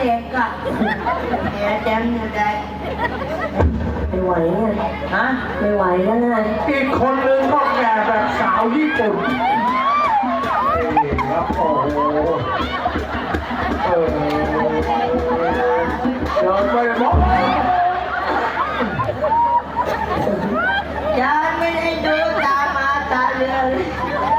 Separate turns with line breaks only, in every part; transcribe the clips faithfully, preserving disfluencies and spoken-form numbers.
เอกอะแกแจมเนี่ยได้
ไม่ไหวเนี่ย
ฮะ
ไม่ไหวแล้วนะ
อีกคนนึงก็แก่แบบสาวญี่ปุ่นครับโอ้โหเออเดินไปมอง
ยังไม่ได้ดูตามาตาเรือเลย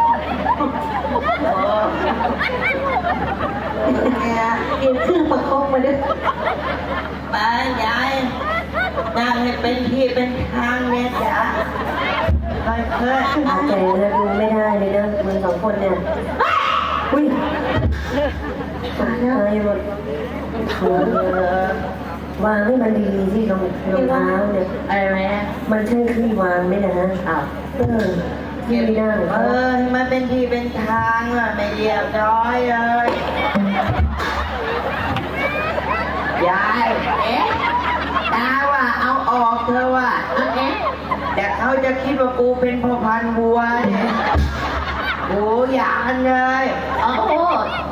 เนี่ยกินครึ่งประคบมาด้วยไปยายนั่งให้เป็นที่เป็นทางเนี่ยจ้ะค่อยๆ
อาแต่แล้วดูไม่ได้เลยนะมึงสองคนเนี่ยอุ้ยตายหมดเออวางให้มันดีๆที่รองรองเท้าเนี่ย
อะไรนะ
มันใช่ที่วางไหมนะฮะอ้าวเออที่ไม่ได้
เออมันเป็นที่เป็นทางอ่ะไม่เรียบร้อยเลยยายเอ๊ะตาว่าเอาออกเธอว่าเอ๊ะแต่เขาจะคิดว่ากูเป็นพ่อพันธุ์วัวเนี่ยโอ้ยานเลยโอ้โห